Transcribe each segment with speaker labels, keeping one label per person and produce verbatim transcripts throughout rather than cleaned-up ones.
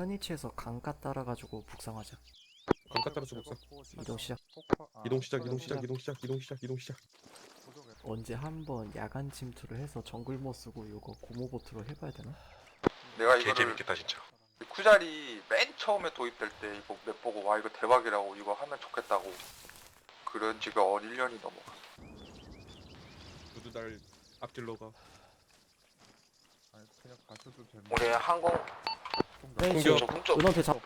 Speaker 1: 현위치에서 강가 따라가지고 북상하자.
Speaker 2: 강가 따라서 복사.
Speaker 1: 이동 시작.
Speaker 2: 이동 시작, 이동 시작, 이동 시작, 이동 시작, 이동 시작.
Speaker 1: 언제 한번 야간 침투를 해서 정글 못 쓰고 이거 고모보트로 해봐야 되나?
Speaker 3: 내가
Speaker 2: 개
Speaker 3: 이거를
Speaker 2: 재밌겠다 진짜.
Speaker 3: 쿠자리 맨 처음에 도입될 때 이거 맵 보고 와 이거 대박이라고 이거 하면 좋겠다고 그런 지가 어 일 년이 넘어가.
Speaker 2: 모두 날 앞질러가.
Speaker 4: 아니 그냥 가셔도 되는.
Speaker 3: 우리 항공
Speaker 1: 현위치
Speaker 2: 공격.
Speaker 3: 동쪽
Speaker 1: 은원태 잡.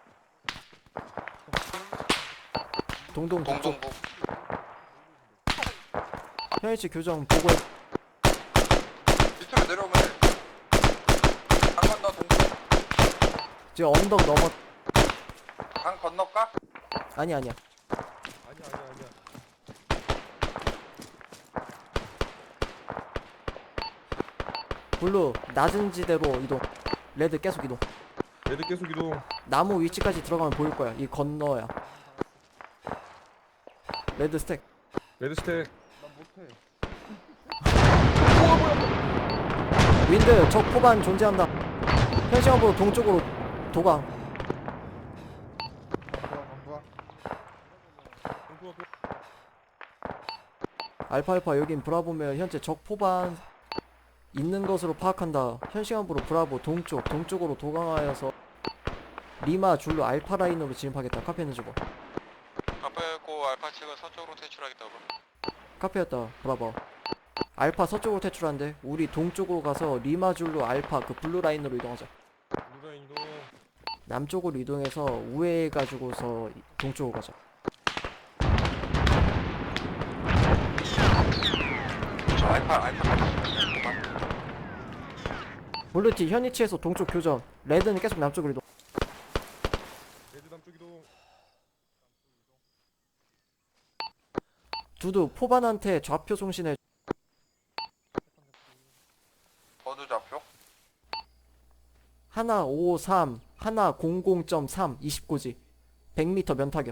Speaker 1: 동동 북쪽.
Speaker 3: 동동부
Speaker 1: 현위치 교정 보고해.
Speaker 3: 밑으로 내려오면 강 건너 동쪽
Speaker 1: 지금 언덕 넘어.
Speaker 3: 강 건너까?
Speaker 1: 아니 아니야.
Speaker 2: 아니야, 아니야, 아니야.
Speaker 1: 블루 낮은 지대로 이동. 레드 계속 이동.
Speaker 2: 레드 계속 이동.
Speaker 1: 나무 위치까지 들어가면 보일 거야. 이 건너야. 레드 스택.
Speaker 2: 레드 스택.
Speaker 4: 난 못해.
Speaker 1: 윈드 적 포반 존재한다. 현시간으로 동쪽으로 도강.
Speaker 4: 강구야 강구야.
Speaker 2: 공부하고.
Speaker 1: 알파알파 여긴 브라보면 현재 적 포반 있는 것으로 파악한다. 현시간부로 브라보 동쪽 동쪽으로 도강하여서 리마 줄로 알파 라인으로 진입하겠다. 카페는 주고.
Speaker 3: 카페고 알파 측은 서쪽으로 퇴출하겠다고.
Speaker 1: 카페였다. 브라보. 알파 서쪽으로 퇴출한대. 우리 동쪽으로 가서 리마 줄로 알파 그 블루 라인으로 이동하자.
Speaker 2: 누가 이동.
Speaker 1: 남쪽으로 이동해서 우회해 가지고서 동쪽으로 가자.
Speaker 3: 저 알파 알파
Speaker 1: 블루티 현위치에서 동쪽 교전. 레드는 계속 남쪽으로 이동.
Speaker 2: 레드 남쪽 이동.
Speaker 1: 두두 포반한테 좌표 송신해.
Speaker 3: 어느 좌표?
Speaker 1: 하나 오삼 하나 공공 점 삼 이십고지 백 미터 면타격.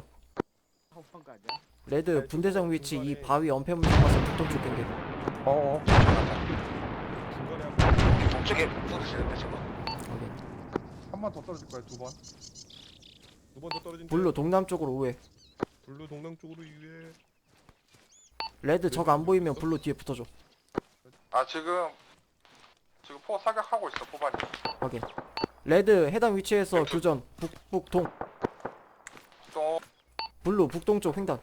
Speaker 1: 레드 분대장 위치 이 바위 엄폐물 잡아서 북동쪽 경계.
Speaker 4: 어어.
Speaker 2: 중간에 한 번.
Speaker 3: 동쪽에 쏟으시는데 지금.
Speaker 1: 확인.
Speaker 4: 한 번 더 떨어질 거야 두 번.
Speaker 2: 두 번 더 떨어진.
Speaker 1: 블루 동남쪽으로 우회.
Speaker 2: 블루 동남 쪽으로 유해.
Speaker 1: 레드 적 안 보이면 블루 뒤에 붙어줘.
Speaker 3: 아 지금 지금 포 사격하고 있어 포반이.
Speaker 1: 확인. 레드 해당 위치에서 교전 북북동.
Speaker 3: 또
Speaker 1: 블루 북동쪽 횡단.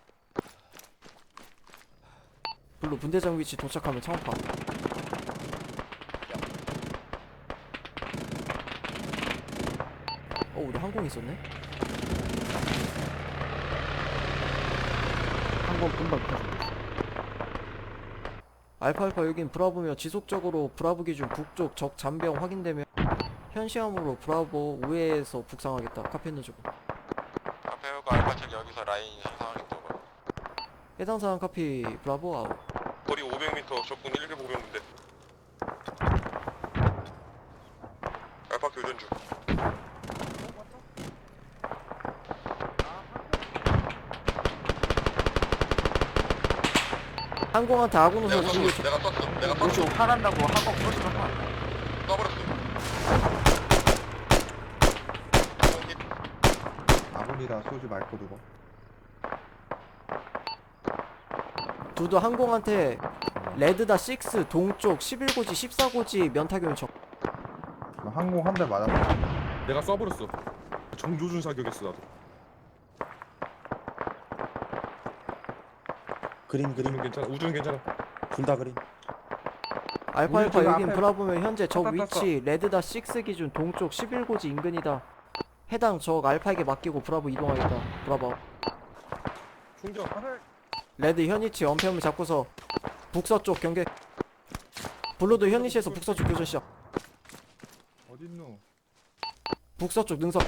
Speaker 1: 블루 분대장 위치 도착하면 창파. 어 우리 항공 있었네. 항공 금방 펴줘. 알파알파 여긴 브라보며 지속적으로 브라보 기준 북쪽 적 잔병 확인되면 현시함으로 브라보 우회에서 북상하겠다. 카페는 주고.
Speaker 3: 카페오가 알파 측 여기서 라인 형성하겠다고.
Speaker 1: 해당 사항 카피 브라보 아웃.
Speaker 2: 거리 오백 미터, 적군 천오백인데. 알파 교전 중.
Speaker 1: 항공한테 아군 우선 주의.
Speaker 3: 내가 썼어. 내가
Speaker 4: 그렇지 화난다고 한번 그러시면 화.
Speaker 3: 써버렸어.
Speaker 4: 아무리다 쏘지 말고 두고.
Speaker 1: 두두 항공한테 레드다 육 동쪽 십일고지 십사고지 면타격 적.
Speaker 4: 항공 한 대 맞았어.
Speaker 2: 내가 쏴버렸어. 정조준 사격했어 나도.
Speaker 5: 그린 그린
Speaker 2: 우주는 괜찮아. 우주는 괜찮아.
Speaker 5: 둘 다 그린.
Speaker 1: 알파알파
Speaker 4: 우리
Speaker 1: 여긴
Speaker 4: 앞에
Speaker 1: 브라보면 현재 적
Speaker 4: 떴다,
Speaker 1: 위치 레드다 육 기준 동쪽 십일고지 인근이다. 해당 적 알파에게 맡기고 브라보 이동하겠다. 브라보.
Speaker 2: 충격.
Speaker 1: 레드 현위치 엄폐물 잡고서 북서쪽 경계. 블루도 현위치에서 북서쪽 교전 시작.
Speaker 4: 어딨노?
Speaker 1: 북서쪽 능선.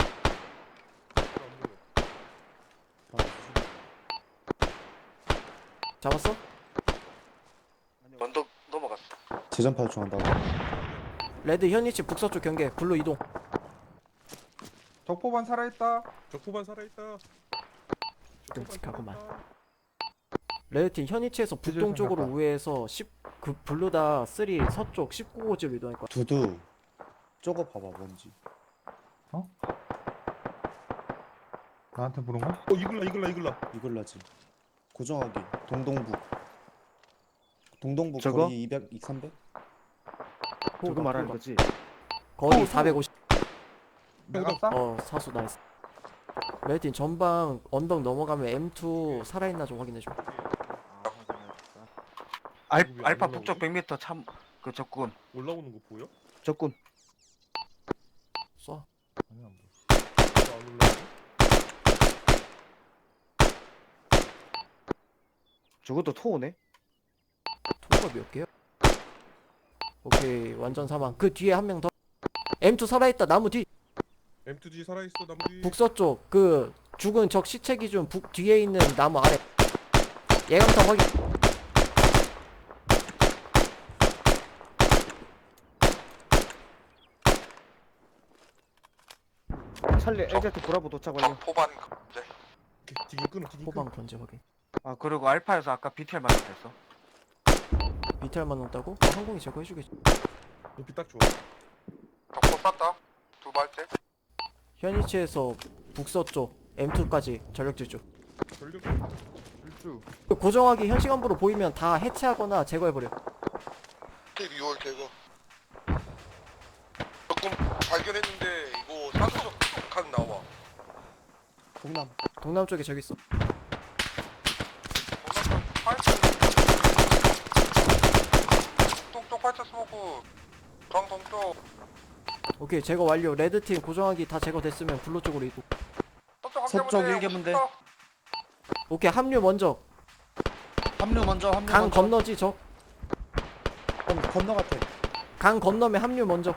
Speaker 1: 잡았어?
Speaker 3: 언덕 넘어갔어.
Speaker 5: 재전파 요청한다고.
Speaker 1: 레드 현위치 북서쪽 경계. 블루 이동.
Speaker 4: 적포반 살아있다.
Speaker 2: 적포반 살아있다.
Speaker 1: 끔찍하구만. 레드팀 현위치에서 북동
Speaker 4: 해줄
Speaker 1: 쪽으로
Speaker 4: 생각다.
Speaker 1: 우회해서 십 그 블루다 삼 서쪽 십구 고지로 이동할 거야.
Speaker 5: 두두. 저거 봐봐 뭔지.
Speaker 4: 어? 나한테 부른 거?
Speaker 2: 어 이글라 이글라 이글라.
Speaker 5: 이글라지. 고정하기. 동동북. 동동북
Speaker 6: 저거?
Speaker 5: 거리 이백, 삼백?
Speaker 6: 저거 말하는 거지?
Speaker 1: 거리
Speaker 4: 어,
Speaker 1: 사백오십.
Speaker 4: 내가
Speaker 2: 어,
Speaker 4: 쏴?
Speaker 1: 어 사수 나이스. 레드팀 전방 언덕 넘어가면 엠 투 살아있나 좀 확인해줘.
Speaker 6: 알,
Speaker 2: 왜안
Speaker 6: 알파
Speaker 2: 올라오지?
Speaker 6: 북쪽 백 미터 참 그 적군
Speaker 2: 올라오는 거 보여?
Speaker 6: 적군
Speaker 1: 쏴.
Speaker 4: 아니 안 보여.
Speaker 2: 안 올라오지?
Speaker 6: 저것도 토우네.
Speaker 1: 통과 몇 개야? 오케이 완전 사망. 그 뒤에 한 명 더. 엠 투 살아있다 나무 뒤.
Speaker 2: 엠 투 디 살아있어 나무 뒤.
Speaker 1: 북서쪽 그 죽은 적 시체 기준 북 뒤에 있는 나무 아래. 예감탑 확인.
Speaker 6: 찰리 엘제트 브라보 도착 완료.
Speaker 3: 적 포반 이제
Speaker 2: 오케이, 디깅 끊어 디깅 끊어.
Speaker 1: 호방 건재 확인.
Speaker 6: 아 그리고 알파에서 아까 비티알 맞았어.
Speaker 1: 비탈만 넣었다고? 어, 항공이 제거해주겠지.
Speaker 2: 높이 딱 좋아.
Speaker 3: 적포 쐈다. 두 발째.
Speaker 1: 현 위치에서 북서쪽 엠 투까지 전력 질주.
Speaker 2: 전력.
Speaker 4: 일주.
Speaker 1: 그 고정하기 현 시간부로 보이면 다 해체하거나 제거해버려.
Speaker 7: 유월 제거. 조금 발견했는데 이거 사수적 각 나와.
Speaker 5: 동남.
Speaker 1: 동남 쪽에 저기 있어.
Speaker 3: 동쪽 팔자 스모크. 정 동쪽.
Speaker 1: 오케이 제거 완료. 레드팀 고정하기 다 제거됐으면 블루 쪽으로 이동.
Speaker 3: 서쪽 한
Speaker 7: 서쪽
Speaker 3: 개문제,
Speaker 7: 일개 문제.
Speaker 3: 오십사.
Speaker 1: 오케이 합류 먼저.
Speaker 7: 합류 먼저 합류
Speaker 1: 강
Speaker 7: 먼저.
Speaker 1: 건너지 적.
Speaker 5: 건, 건너 같아.
Speaker 1: 강 건너면 합류 먼저.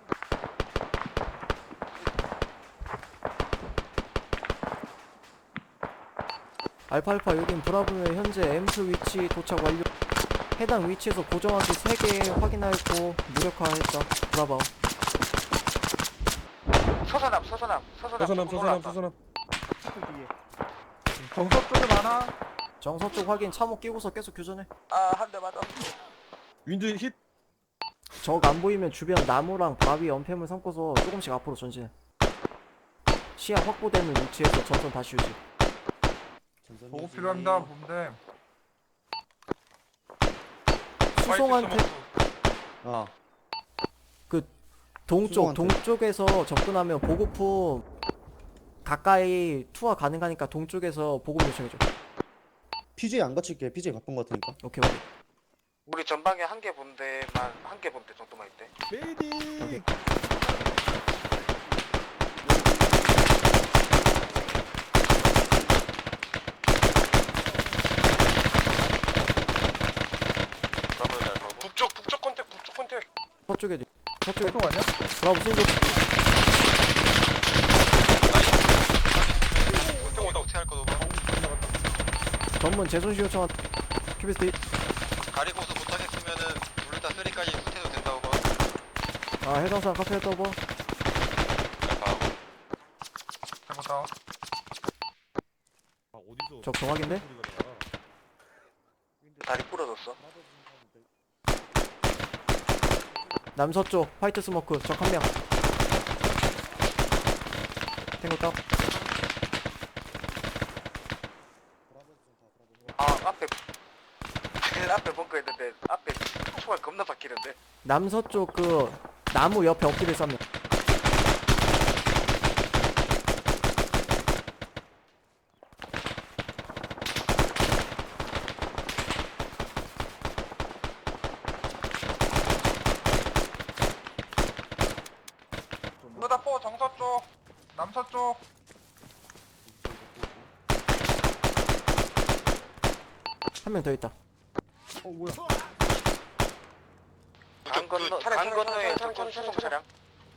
Speaker 1: 알파알파 여긴 브라보의 현재 엠 투 위치 도착 완료. 해당 위치에서 고정하기 세 개 확인하였고 무력화했다. 브라보.
Speaker 6: 서서남 서서남 서서남
Speaker 2: 서서남
Speaker 6: 조금
Speaker 2: 서서남
Speaker 6: 올라왔다.
Speaker 2: 서서남.
Speaker 6: 뒤에.
Speaker 4: 정서쪽에 많아.
Speaker 1: 정서쪽 확인 참호 끼고서 계속 교전해.
Speaker 6: 아 한 대 맞았어.
Speaker 2: 윈드 힛.
Speaker 1: 적 안 보이면 주변 나무랑 바위 연패물 삼고서 조금씩 앞으로 전진해. 시야 확보되는 위치에서 전선 다시 유지.
Speaker 5: 전선
Speaker 4: 보고
Speaker 5: 유지.
Speaker 4: 필요합니다. 봄대.
Speaker 1: 수송한테
Speaker 5: 아,
Speaker 1: 동쪽
Speaker 5: 수송한테.
Speaker 1: 동쪽에서 접근하면 보급품 가까이 투하 가능하니까 동쪽에서 보급 요청해줘.
Speaker 5: 피지에 안 갇힐게. 피지에 가쁜 거 같으니까.
Speaker 1: 오케이 오케이.
Speaker 6: 우리 전방에 한 개 분대만 한 개 분대 정도만 있대.
Speaker 2: 메디.
Speaker 1: 오케이.
Speaker 7: 북쪽 북쪽 컨택 북쪽 컨택.
Speaker 1: 서쪽에 서쪽에
Speaker 4: 또 아니야?
Speaker 1: 브라보 승부.
Speaker 7: 컨택 온다 어떻게 할 거다.
Speaker 1: 전문 재손시 요청한 큐비스트.
Speaker 7: 가리고서 못하겠으면은 우리 다 쓰리까지 후퇴도 된다고 봐.
Speaker 1: 아 해상상 카페 떠봐.
Speaker 3: 해보다.
Speaker 2: 아 어디서?
Speaker 1: 적 정확인데?
Speaker 2: 소리가 나.
Speaker 6: 다리 부러졌어.
Speaker 1: 남서쪽 화이트 스모크 적 한 명. 탱고 다운.
Speaker 6: 아 앞에 제일 앞에 벙커 있는데 앞에 총알 겁나 박히는데.
Speaker 1: 남서쪽 그 나무 옆에 엎드려 쌈면.
Speaker 3: 누다 포 정서쪽. 남서쪽.
Speaker 1: 한 명 더 있다.
Speaker 4: 어 뭐야?
Speaker 6: 강 건너
Speaker 7: 차량,
Speaker 6: 강
Speaker 7: 차량,
Speaker 6: 건너에
Speaker 7: 차량,
Speaker 6: 적군
Speaker 7: 차량,
Speaker 6: 수송 차량.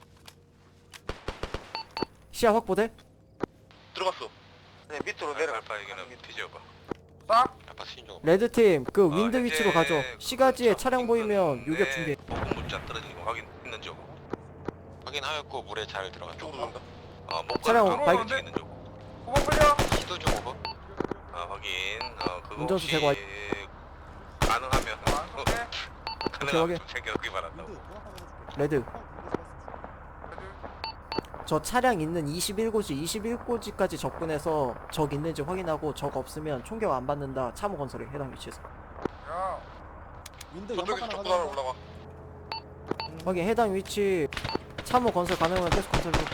Speaker 1: 시야 확보돼?
Speaker 7: 들어갔어.
Speaker 6: 네 밑으로 내려가.
Speaker 7: 알파에게는 뒤져봐.
Speaker 3: 싹.
Speaker 7: 알파 신종.
Speaker 1: 레드팀 그
Speaker 7: 어,
Speaker 1: 윈드
Speaker 7: 현재
Speaker 1: 위치로 가죠.
Speaker 7: 그
Speaker 1: 시가지에
Speaker 7: 저
Speaker 1: 차량 보이면
Speaker 7: 인근
Speaker 1: 요격
Speaker 7: 내
Speaker 1: 준비해.
Speaker 7: 보급 물자 떨어지는 거 확인했는지 확인하였고 물에 잘 들어갔다. 쪽으로 간다. 어, 목
Speaker 1: 차량
Speaker 7: 걸어
Speaker 1: 바이크
Speaker 7: 움직이는 쪽.
Speaker 3: 후방 클리어.
Speaker 7: 시도 좀 오버. 어, 확인. 어, 그거
Speaker 1: 운전수
Speaker 7: 혹시
Speaker 1: 제거 완-
Speaker 7: 가능하면
Speaker 3: 안
Speaker 7: 어,
Speaker 3: 쏠게.
Speaker 1: 오케이,
Speaker 7: 가능하면
Speaker 1: 오케이.
Speaker 7: 좀 챙겨오기 바란다고.
Speaker 1: 레드 저 차량 있는 이십일 고지 이십일 고지까지 접근해서 적 있는지 확인하고 적 없으면 총격 안 받는다. 참호 건설에 해당 위치에서
Speaker 4: 야
Speaker 5: 윈도
Speaker 7: 저쪽에서
Speaker 5: 연막
Speaker 7: 족구
Speaker 5: 하나
Speaker 7: 하나
Speaker 5: 가져간다.
Speaker 7: 올라가.
Speaker 1: 확인. 해당 위치 참호 건설 가능하면 계속 건설 중.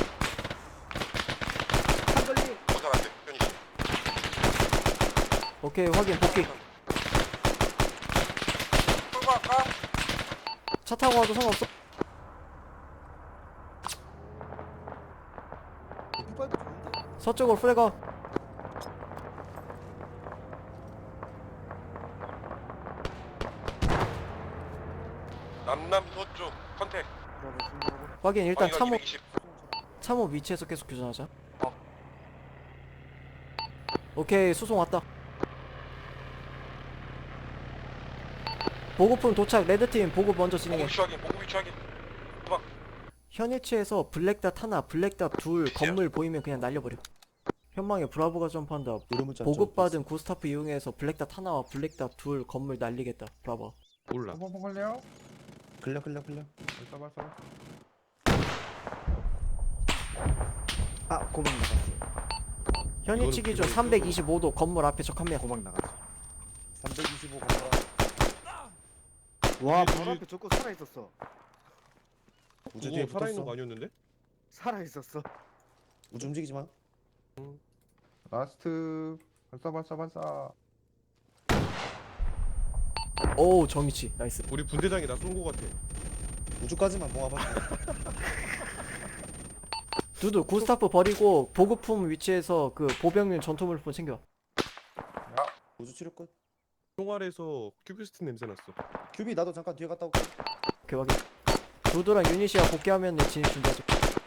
Speaker 5: 한걸리.
Speaker 7: 건설 안 돼. 현이 씨.
Speaker 1: 오케이 확인. 복귀.
Speaker 6: 풀고 할까?
Speaker 1: 차 타고 와도 상관없어.
Speaker 5: 휘발도 좋은데.
Speaker 1: 서쪽으로 플래거.
Speaker 7: 남남 서쪽 컨택.
Speaker 1: 확인. 일단
Speaker 7: 방위각
Speaker 1: 참호
Speaker 7: 이백이십.
Speaker 1: 참호 위치에서 계속 교전하자. 오케이 수송 왔다. 보급품 도착. 레드팀 보급 먼저 진행해.
Speaker 7: 보급 위치 확인. 보급 위치 확인.
Speaker 1: 현 위치에서 블랙닷 하나 블랙닷 둘
Speaker 7: 위치야.
Speaker 1: 건물 보이면 그냥 날려버려. 현망에 브라보가 점프한다.
Speaker 5: 노르문자
Speaker 1: 보급받은 구스타프 이용해서 블랙닷 하나와 블랙닷 둘 건물 날리겠다. 브라보.
Speaker 2: 몰라.
Speaker 4: 펑펑 걸려?
Speaker 5: 클려 클려 클려.
Speaker 4: 발사 발사.
Speaker 8: 아 고막 나갔어.
Speaker 1: 현
Speaker 2: 이거는
Speaker 1: 위치 기준
Speaker 2: 그거
Speaker 1: 삼백이십오 도 건물 앞에 적 한 명.
Speaker 8: 고막 나갔어.
Speaker 5: 삼백이십오 건설.
Speaker 8: 와
Speaker 2: 우리-
Speaker 8: 바로
Speaker 2: 우리-
Speaker 8: 앞에 저거 살아 있었어.
Speaker 5: 우주 뒤에
Speaker 2: 그거 살아있는
Speaker 5: 붙었어.
Speaker 2: 거 아니었는데?
Speaker 8: 살아 있었어.
Speaker 5: 우주 움직이지 마.
Speaker 4: 라스트 발사 발사 발사.
Speaker 1: 오우 저 위치 나이스.
Speaker 2: 우리 분대장이 나 쏜 거 같아.
Speaker 5: 우주까지만 모아봐.
Speaker 1: 두두 구스타프 버리고 보급품 위치에서 그 보병용 전투물품 챙겨.
Speaker 5: 우주 치료 끝.
Speaker 2: 총알에서 큐비스트 냄새 났어.
Speaker 5: 큐비 나도 잠깐 뒤에 갔다 올게.
Speaker 1: 오케이 확인. 두두랑 유닛이야 복귀하면 진입 준비하자.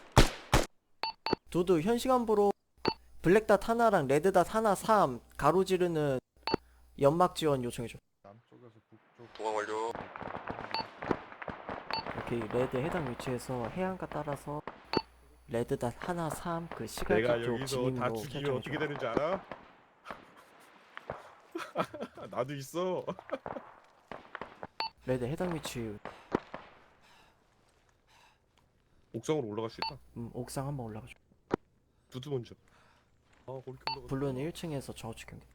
Speaker 1: 두두 현 시간부로 블랙닷 하나랑 레드닷 하나 삼 가로지르는 연막 지원 요청해줘.
Speaker 4: 남쪽에서 북쪽.
Speaker 7: 도강 완료.
Speaker 1: 오케이 레드 해당 위치에서 해안가 따라서 레드닷 하나 삼 그
Speaker 2: 내가
Speaker 1: 시갈지 쪽
Speaker 2: 여기서
Speaker 1: 진입로
Speaker 2: 다 죽이면
Speaker 1: 설정해줘.
Speaker 2: 어떻게 되는지 알아? 나도 있어.
Speaker 1: 레드 해당 위치
Speaker 2: 옥상으로 올라갈 수 있다.
Speaker 1: 음, 옥상 한번 올라가줘.
Speaker 2: 두두 먼저. 아 거기 올라가.
Speaker 1: 블루는 일 층에서 저주 경계.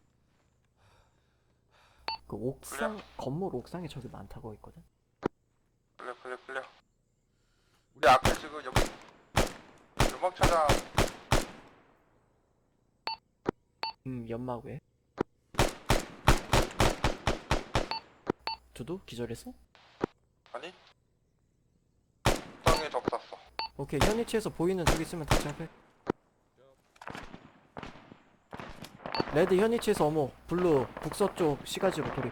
Speaker 1: 그 옥상 건물 옥상에 저기 많다고 있거든.
Speaker 3: 클리어 클리어 클리어. 우리 앞에 지금 여기 연막 차장
Speaker 1: 음 연막 왜? 두두 기절했어?
Speaker 3: 아니? 땅에 적 쐈어.
Speaker 1: 오케이 현 위치에서 보이는 저기 있으면 다시 앞에. 레드 현 위치에서 어머 블루 북서쪽 시가지로 돌입.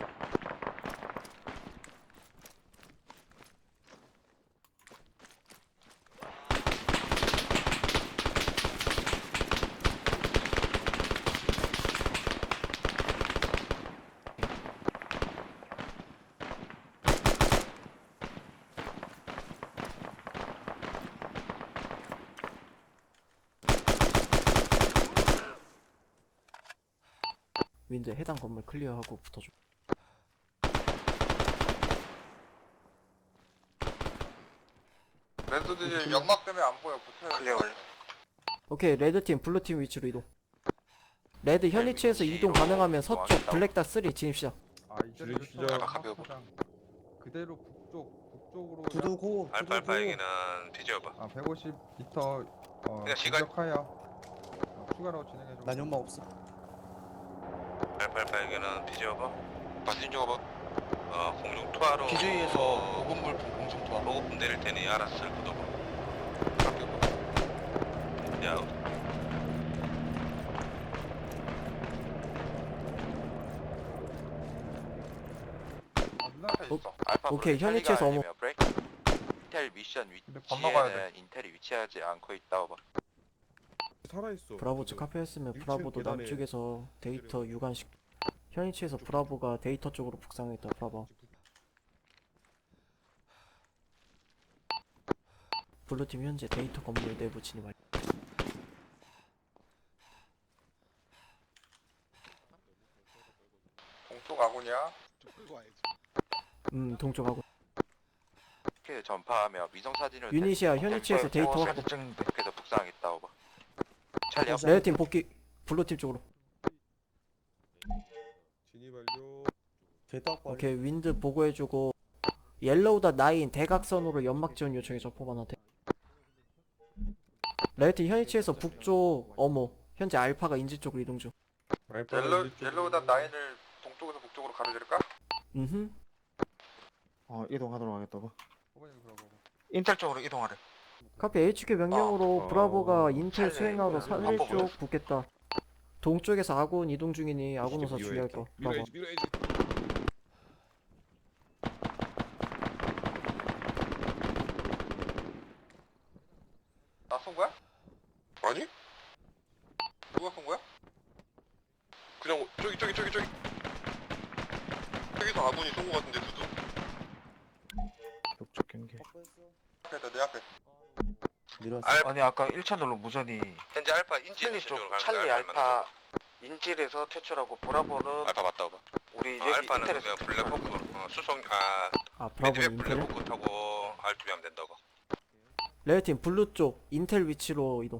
Speaker 1: 윈드 해당 건물 클리어하고 붙어줘.
Speaker 3: 레드들이 연막 때문에 안 보여. 붙어야
Speaker 6: 클리어 완료.
Speaker 1: 오케이 레드팀 블루팀 위치로 이동. 레드 현 위치에서 이동 가능하면 서쪽 블랙닷 삼 진입 시작.
Speaker 4: 아 이제
Speaker 2: 줄이 기절.
Speaker 7: 아까 가벼워.
Speaker 4: 그대로 북쪽 북쪽으로.
Speaker 5: 두두 고. 두두 고.
Speaker 7: 알파알파에게는 뒤져봐.
Speaker 4: 아 백오십 미터 어
Speaker 7: 그냥 시간-
Speaker 4: 공격하여 어, 추가로 진행해줘.
Speaker 5: 난 연막 없어.
Speaker 7: 알파알파에게는 뒤져봐. 바신 좀 봐봐. 어 공중 투하로.
Speaker 3: 기주위에서 보급물품 공중 투하.
Speaker 7: 보급품 내릴 테니 알아서 잘 걷어봐. 야
Speaker 3: 앞에
Speaker 1: 오-
Speaker 3: 있어.
Speaker 6: 알파
Speaker 1: 오케이,
Speaker 6: 블루
Speaker 1: 현위치에서
Speaker 6: 텔리가
Speaker 1: 어머.
Speaker 6: 아니면 브레이크. 인텔 미션
Speaker 4: 근데 건너가야 돼.
Speaker 6: 위치에는 인텔이 위치하지 않고 있다고 봐.
Speaker 2: 살아있어.
Speaker 1: 브라보 측 카페였으면
Speaker 2: 일 층
Speaker 1: 브라보도
Speaker 2: 계단에
Speaker 1: 남쪽에서 데이터 유관식. 현 위치에서 브라보가 데이터 쪽으로 북상했다. 브라보. 블루팀 현재 데이터 건물 내부 진입 완료.
Speaker 3: 동쪽 아군이야.
Speaker 1: 음 동쪽하고
Speaker 7: 이렇게 전파하며 위성 사진을
Speaker 1: 유니시아 현위치에서 데이터 확보.
Speaker 7: 이렇게도 북상 있다 오버. 찰리 앞.
Speaker 1: 레드팀 복귀. 블루팀 쪽으로.
Speaker 2: 진입 완료.
Speaker 5: 개딱 빨리.
Speaker 1: 오케이 윈드 보고해주고 옐로우다 나인 대각선으로 연막 지원 요청해 적포반한테. 레드팀 현위치에서 북쪽 어모. 현재 알파가 인지 쪽으로 이동 중.
Speaker 3: 옐로 옐로우다 나인을 동쪽에서 북쪽으로 가로지를까?
Speaker 1: 음흠.
Speaker 8: 어 이동하도록 하겠다고.
Speaker 4: 호반님 들어보고.
Speaker 6: 인텔 쪽으로 이동하래.
Speaker 1: 카피 에이치큐 명령으로
Speaker 2: 아,
Speaker 1: 브라보가
Speaker 2: 어,
Speaker 1: 인텔
Speaker 6: 찰리,
Speaker 1: 수행하고
Speaker 6: 그,
Speaker 1: 산일
Speaker 6: 안보
Speaker 1: 쪽 붙겠다. 동쪽에서 아군 이동 중이니 아군 우사
Speaker 2: 밀어야지.
Speaker 1: 주의할 거. 봐봐.
Speaker 2: 밀어야지 밀어야지.
Speaker 3: 나 쏜 거야?
Speaker 7: 아니? 누가 쏜 거야? 그냥 저기 저기 저기 저기. 여기서 아군이 쏜 거 같은데 두두.
Speaker 8: 북쪽 경계.
Speaker 3: 앞에다 내 앞에.
Speaker 5: 밀었어.
Speaker 7: 알
Speaker 6: 아니 아까 일 차들로 무전이
Speaker 7: 현재 알파 인지
Speaker 6: 찰리
Speaker 7: 쪽으로
Speaker 6: 쪽
Speaker 7: 가는
Speaker 6: 찰리
Speaker 7: 거야,
Speaker 6: 알파 인질에서 퇴출하고 브라보는
Speaker 7: 알파 맞다 오버.
Speaker 6: 우리
Speaker 7: 어,
Speaker 6: 여기
Speaker 7: 알파는
Speaker 6: 인텔에서
Speaker 7: 그냥 블랙호크 어, 수송 아
Speaker 1: 아 브라보는
Speaker 7: 미드백
Speaker 1: 인텔.
Speaker 7: 블랙호크 타고 알투비하면 된다고.
Speaker 1: 레드팀 블루 쪽 인텔 위치로 이동.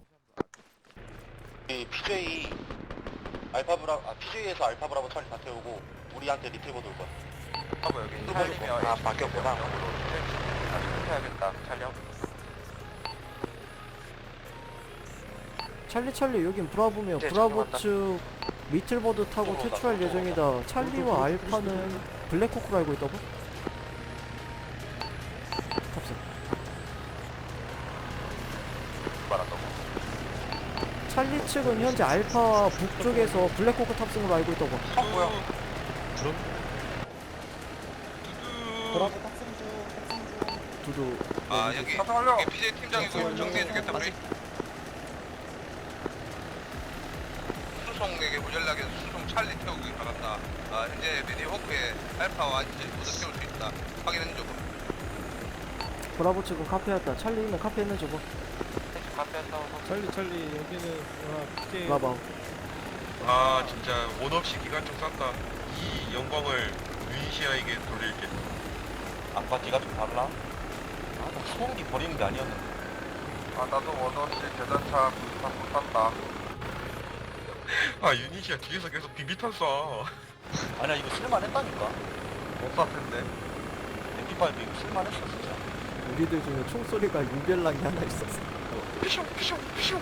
Speaker 9: 이 피제이 알파 브라 아 피제이에서 알파 브라보 찰리 다 태우고 우리한테 리트리버도 올 거야.
Speaker 3: 하고 여기 찰리면
Speaker 6: 아 바뀌었구나.
Speaker 3: 해야겠다. 찰리.
Speaker 1: 찰리 찰리 여긴 브라보며
Speaker 6: 이제
Speaker 1: 브라보
Speaker 6: 들어간다.
Speaker 1: 측 미틀버드 타고 퇴출할 예정이다. 찰리와 알파는 블랙호크로 알고 있다고? 탑승.
Speaker 3: 말한다고.
Speaker 1: 찰리 측은 현재 알파와 북쪽에서 블랙호크 탑승으로 알고 있다고.
Speaker 3: 어 뭐야?
Speaker 5: 브라보 탑승 중. 탑승 중.
Speaker 1: 두두.
Speaker 7: 아 여기
Speaker 3: 탑승 완료.
Speaker 7: 여기 피제이 팀장이고 정리해주겠다 우리. 수송에게 연락해서 수송 찰리 태우기 바란다. 아 현재 미니호크에 알파와 인지 모두 태울 수 있다. 확인해줘.
Speaker 1: 브라보 측은 카페였다. 찰리 있는 카페 있는 저거.
Speaker 2: 찰리 찰리 여기는 아 피케.
Speaker 1: 브라보.
Speaker 7: 아 진짜 원 없이 기관총 쐈다. 이 영광을 유니시아에게 돌릴게.
Speaker 9: 아빠 뒤가 좀 달라? 아나 소음기 버리는 게 아니었는데.
Speaker 3: 아 나도 원없이 대전차 못 탔다.
Speaker 7: 아 유니시아 뒤에서 계속 비비탄 쏴.
Speaker 9: 아니야 이거 쓸만했다니까.
Speaker 3: 못 쐈는데.
Speaker 9: 엠피파이브 이거 쓸만했어 진짜.
Speaker 1: 우리들 중에 총소리가 유별나게 하나 있었어.
Speaker 7: 피쇼 피쇼 피쇼.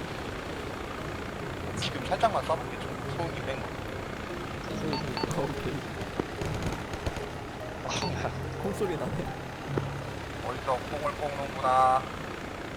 Speaker 9: 지금 살짝만 쏴볼게 좀. 소음기 뺀 거.
Speaker 1: 오케이. 콩소리 나네.
Speaker 3: 어디서 콩을 뽑는구나.